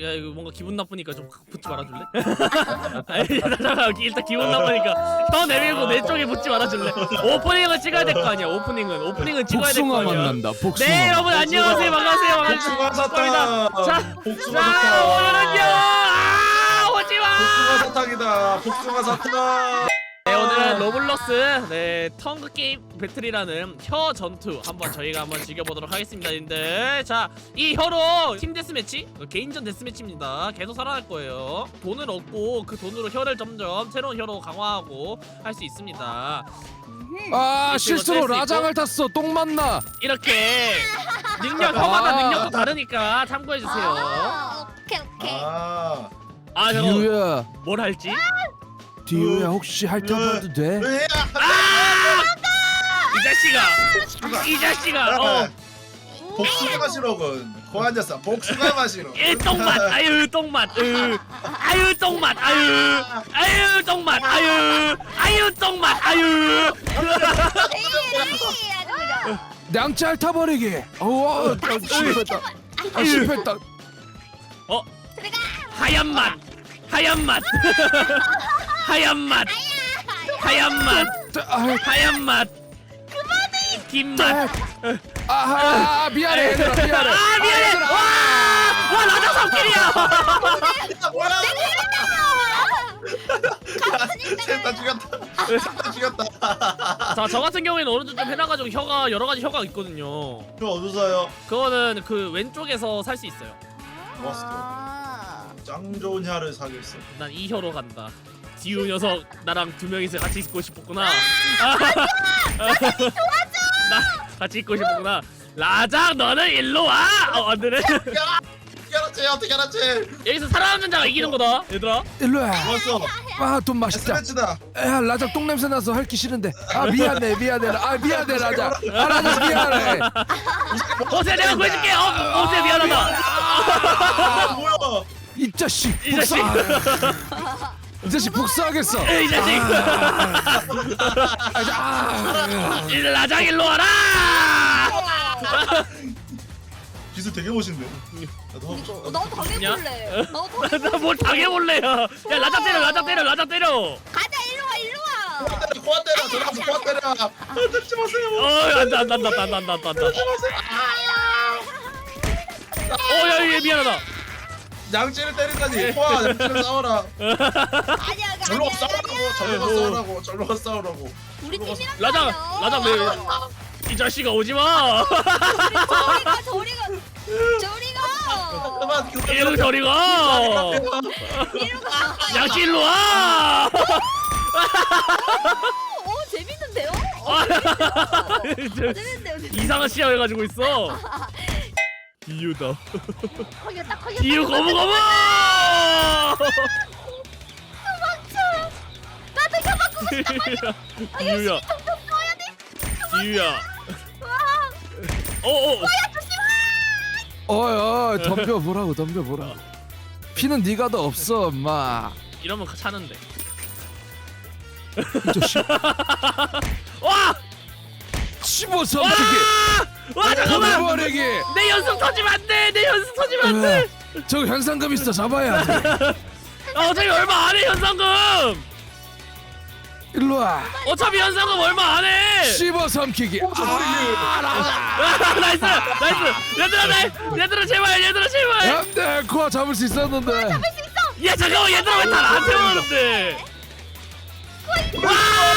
야 이거 뭔가 기분 나쁘니까 좀 붙지 말아줄래? 아니 잠깐만 일단 기분 나쁘니까 더 내밀고 내 쪽에 붙지 말아줄래? 오프닝은 찍어야 될 거 아니야. 오프닝은 찍어야 될 거 복숭아 아니야. 만난다. 복숭아. 네 여러분 안녕하세요 반갑습니다. 복숭아 사탕. 자 복숭아 자 사탕. 오늘은요 오지마. 복숭아 사탕이다. 복숭아 사탕. 네 오늘은 로블록스 네 텅그 게임 배틀이라는 혀 전투 한번 저희가 한번 즐겨보도록 하겠습니다. 님들 자 이 혀로 팀 데스매치 개인전 데스매치입니다. 계속 살아날 거예요. 돈을 얻고 그 돈으로 혀를 점점 새로운 혀로 강화하고 할 수 있습니다. 아 이거 실수로 뗄수 라장을 탔어. 똥 맞나? 이렇게 혀마다 능력도 다르니까 참고해주세요. 오케이 오케이. 아. 아 잠깐 디유야. 뭘 할지? 디유야 혹시 핥아봐도 돼? 이 자식아 복숭아 마시러군. 고앉았어. 복숭아 마시러. 똥맛 아유 똥맛 아유 똥맛 아유 똥맛 아유 똥맛 아유 냥치 핥아버리기. 실패했다. 아 실패했다. 하얀 맛 하얀 맛 하얀 맛 뒷맛 아 미안해 얘들아 미안해. 아 미안해 와 라장 삼킬이야 뭐야? 셋다 죽였다. 셋다 죽였다. 자 저 같은 경우에는 어느 정도 좀 해놔가지고 혀가 여러 가지 혀가 있거든요. 형 어디서요? 그거는 그 왼쪽에서 살 수 있어요. 짱 좋은 혀를 사겠어. 난 이 혀로 간다. 지우 녀석 나랑 두 명이서 같이 있고 싶었구나. 나 같이 있고 싶었구나. 라장 너는 일로 와. 안 되네. 어떻게 알았지? 어떻게 알았지? 여기서 살아남는 자가 이기는 거다, 얘들아. 일로와. 좋았어. 아돈 맛있다. 스매치다. 야 라장 똥 냄새 나서 핥기 싫은데. 아 미안해 라장. 아 라장 미안해. 오세 내가 구해줄게. 오세 미안하다. 아, 뭐야? 이 자식 이 자식. 이 자식 복수하겠어. 이 자식. 라장 일로 와라. 기술 되게 멋있네. 나도 하고 싶다. 너 당해볼래. 너 나뭘 당해볼래야. 야 라장 때려. 가자 일로 와. 고아 때려. 저랑 고아 때려. 때리지 마세요. 안다. 때리지 마세요. 야 미안하다. 양치를 때리다니. 고아 양치를 싸워라. 아니야 절로 가 싸우라고. 절로 가 싸우라고. 우리 팀이랑 라장 이 자식아 오지 마. 저리 가. 그만. 이리로 저리 가. 이리로 가. 양치 일로 와. 오 재밌는데요? 재밌는데요. 이상한 시야를 가지고 있어. 이유다. 거기다. 이유 거부. 나도 혀 바꾸고 싶어. 이유야. 써야 돼. 이유야. 어어. 어이 덤벼보라고. 피는 네가 더 없어 엄마. 이러면 차는데. 이 자식. 와! 씹어서 와! 어떻게. 와 잠깐만. 버리기. 내 연습 터지면 안 돼. 저 현상금 있어 잡아야 돼. 어차피 얼마 안 해 현상금. 일로 와. 어차피 현상금 얼마 안 해. 씹어 삼키기. 나이스. 얘들아 제발. 안돼 코아 잡을 수 있었는데. 야 잠깐만 얘들아 왜 다 나한테 오는데? 와!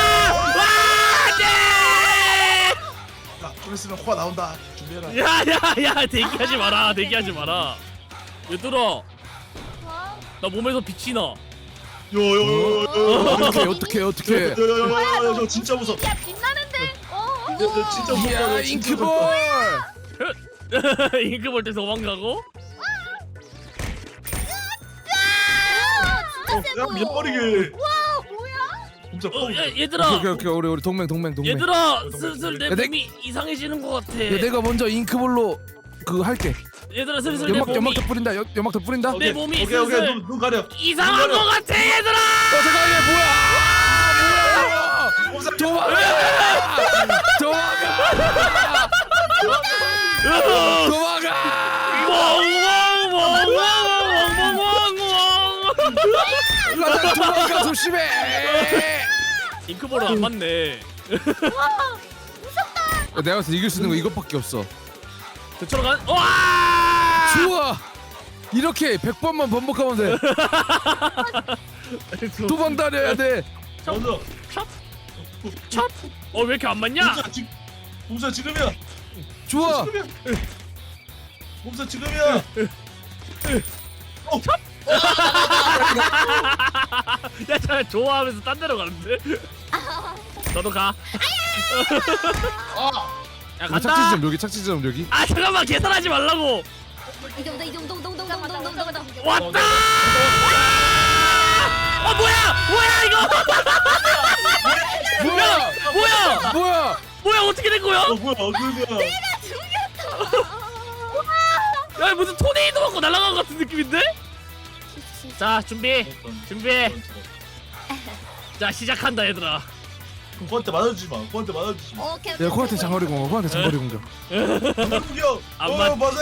안돼! 좀 있으면 코아 나온다. 준비해라. 야야야 대기하지 마라. 얘들아 나 몸에서 빛이 나. 어떻게. 저 진짜 무서워. 야 빛나는데. 진짜 무서워. 야 잉크볼. 잉크볼 때 도망가고. 진짜 세 보여. 밀어버리게. 와 뭐야? 진짜 뻥. 얘들아 오케이 우리 동맹. 얘들아 슬슬 내 야, 내- 몸이 이상해지는 것 같아. 야, 내가 먼저 잉크볼로 그거 할게. 얘들아 슬슬 내 몸이 연막도 뿌린다. 연막도 뿌린다. 내 몸이 오케이 슬슬 눈 가려. 이상한 것 같아 얘들아. 잠깐만 뭐야? 도망가! 멍멍멍멍멍멍 도망가 조심해. 잉크볼은 안 맞네. 와 무섭다. 내가 봤을 때 이길 수 있는 거 이것밖에 없어. 저처럼 간. 와! 좋아. 이렇게 100번만 반복하면 돼. 도망 다녀야 돼. 먼저. 찹. 왜 이렇게 안 맞냐? 봄사 지금이야. 좋아. 봄사 지금이야. 야, 저 좋아하면서 딴 데로 가는데. 너도 가. 야, 여기 간다. 착지점 여기 착지점 여기. 아, 잠깐만 계산하지 말라고. 이동동. 왔다. 뭐야 이거? 뭐야 어떻게 된 거야? 뭐야 그거야. 야, 무슨 토네이도 맞고 날아간 것 같은 느낌인데? 자, 준비해. 자, 시작한다 얘들아. 코한테 맞아주지 마. 코한테 맞아주지 마. 오케이. 야 코한테 장거리 공격. 코한테 장거리 공격. 공격. 안 맞- 맞아.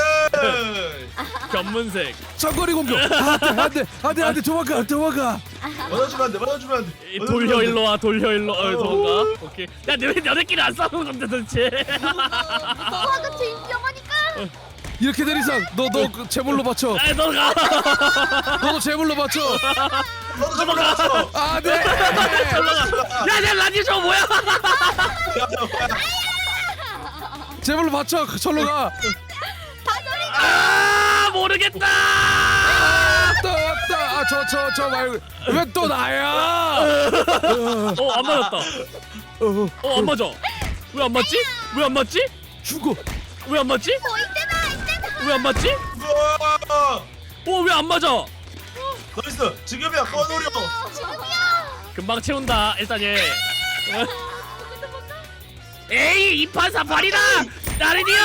검은색. 장거리 공격. 안돼 도망가. 맞아주면 안 돼. 맞아주면 안 돼. 돌려 일로 와. 도망가. 오케이. 야, 너네끼리 안 싸우는 건데 도대체. 무서워하고 제 위험하니까. 이렇게 된 이상 너 제물로 바쳐. 아, 너 가. 너도 제물로 바쳐. 너도 좀 맞았어. 안돼. 야, 내 라디오 저거 뭐야? 제물로 바쳐. 절로 가. 아, 모르겠다. 또 왔다. 저 말고 왜 또 나야? 안 맞았다. 안 맞아. 왜 안 맞지? 죽어. 왜 안 맞지? 이때다. 왜 안 맞지? 왜 안 맞아? 나이스. 지금이야. 꺼노려. 금방 채운다. 일단 얘. 에이, 2판 3판이다. 나리디오.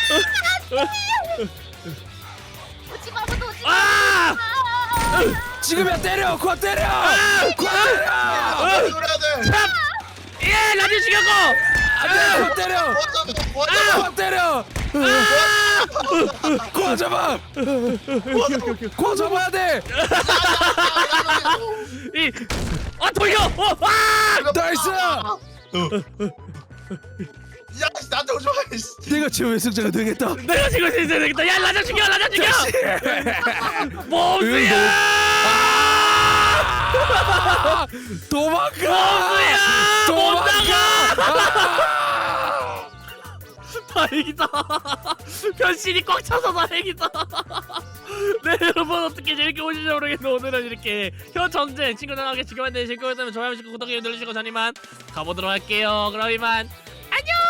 오지 마. 오지 마. 아! 지금이야 때려. 코 때려. 코 때려. 노려야 돼. 참! 예, 라디오 죽였고. 안돼. 코 때려. 코 때려. 코 잡아. 코 잡아야 돼. 돌려. 와! 나이스. 야, 나한테 오지 마. 내가 최후의 승자가 되겠다. 내가 지금 진짜 되겠다. 야, 라디오 죽여. 몸수야. 도망가. 못 나가. 다행이다. 변신이 꽉 차서 다행이다. 네, 여러분 어떻게 재밌게 보시는지 모르겠는데 오늘은 이렇게 현전쟁 친구들과 함께 지켜봤는데 즐거웠다면 좋아요, 구독, 알림 눌러주시고 저는 이만 가보도록 할게요. 그럼 이만 안녕.